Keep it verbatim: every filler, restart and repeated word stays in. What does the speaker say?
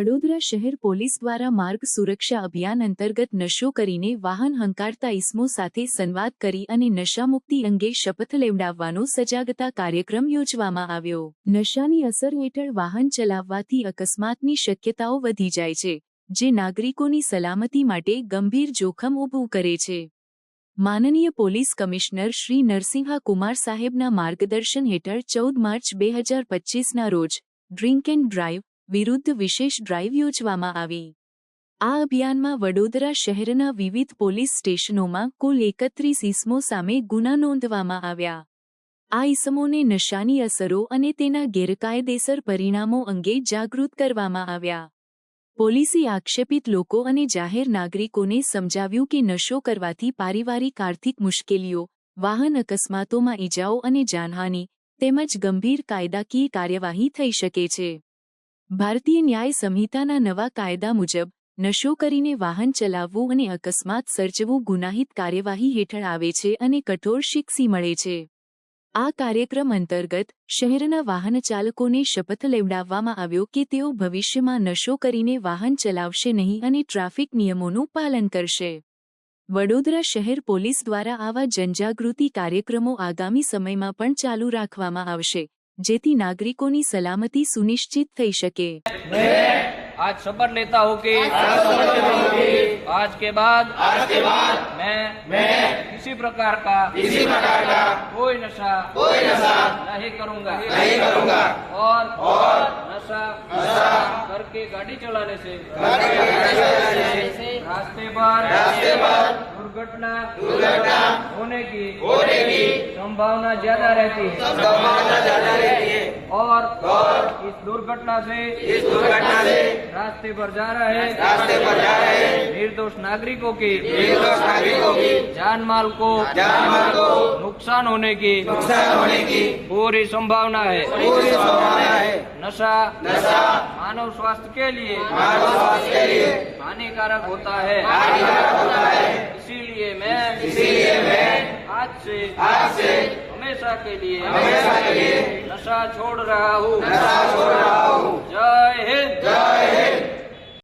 વડોદરા શહેર પોલીસ દ્વારા માર્ગ સુરક્ષા અભિયાન અંતર્ગત નશો કરીને વાહન હંકારતા ઇસમો સાથે સંવાદ કરી અને નશામુક્તિ અંગે શપથ લેવડાવવાનો સજાગતા કાર્યક્રમ યોજવામાં આવ્યો। નશાની અસર હેઠળ વાહન ચલાવવાથી અકસ્માતની શક્યતાઓ વધી જાય છે, જે નાગરિકોની સલામતી માટે ગંભીર જોખમ ઊભું કરે છે। માનનીય પોલીસ કમિશનર શ્રી નરસિંહા કુમાર સાહેબના માર્ગદર્શન હેઠળ ચૌદ માર્ચ બે હજાર પચીસના રોજ ડ્રિંક એન્ડ ડ્રાઇવ વિરુદ્ધ વિશેષ ડ્રાઇવ યોજવામાં આવી। આ અભિયાનમાં વડોદરા શહેરના વિવિધ પોલીસ સ્ટેશનોમાં કુલ એકત્રીસ ઇસમો સામે ગુના નોંધવામાં આવ્યા। આ ઇસમોને નશાની અસરો અને તેના ગેરકાયદેસર પરિણામો અંગે જાગૃત કરવામાં આવ્યા। પોલીસે આક્ષેપિત લોકો અને જાહેર નાગરિકોને સમજાવ્યું કે નશો કરવાથી પારિવારિક આર્થિક મુશ્કેલીઓ, વાહન અકસ્માતોમાં ઇજાઓ અને જાનહાનિ તેમજ ગંભીર કાયદાકીય કાર્યવાહી થઈ શકે છે। ભારતીય ન્યાય સંહિતાના નવા કાયદા મુજબ નશો કરીને વાહન ચલાવવું અને અકસ્માત સર્જવું ગુનાહિત કાર્યવાહી હેઠળ આવે છે અને કઠોર શિક્ષા મળે છે। આ કાર્યક્રમ અંતર્ગત શહેરના વાહન ચાલકોને શપથ લેવડાવવામાં આવ્યો કે તેઓ ભવિષ્યમાં નશો કરીને વાહન ચલાવશે નહીં અને ટ્રાફિક નિયમોનું પાલન કરશે। વડોદરા શહેર પોલીસ દ્વારા આવા જનજાગૃતિ કાર્યક્રમો આગામી સમયમાં પણ ચાલુ રાખવામાં આવશે, जेती नागरिकों की सलामती सुनिश्चित थई सके। आज शपथ लेता हूँ कि आज के बाद आज के बाद मैं मैं किसी प्रकार का किसी प्रकार का कोई नशा कोई नशा नहीं करूँगा नहीं करूँगा और और नशा नशा करके गाड़ी चलाने से रास्ते पर रास्ते पर दुर्घटना दुर्घटना होने की होने की संभावना ज्यादा रहती है संभावना ज्यादा रहती है और और इस दुर्घटना से इस दुर्घटना से रास्ते पर जा रहे रास्ते पर जा रहे निर्दोष नागरिकों की निर्दोष नागरिकों की जान माल को जान माल को नुकसान होने की नुकसान होने की पूरी संभावना है पूरी संभावना है। नशा नशा मानव स्वास्थ्य के लिए मानव स्वास्थ्य के लिए हानिकारक होता है हानिकारक होता है। इसीलिए मैं इसीलिए मैं आज से आज से हमेशा के लिए हमेशा के लिए नशा छोड़ रहा हूँ नशा छोड़ रहा हूँ। जय हिंद जय हिंद।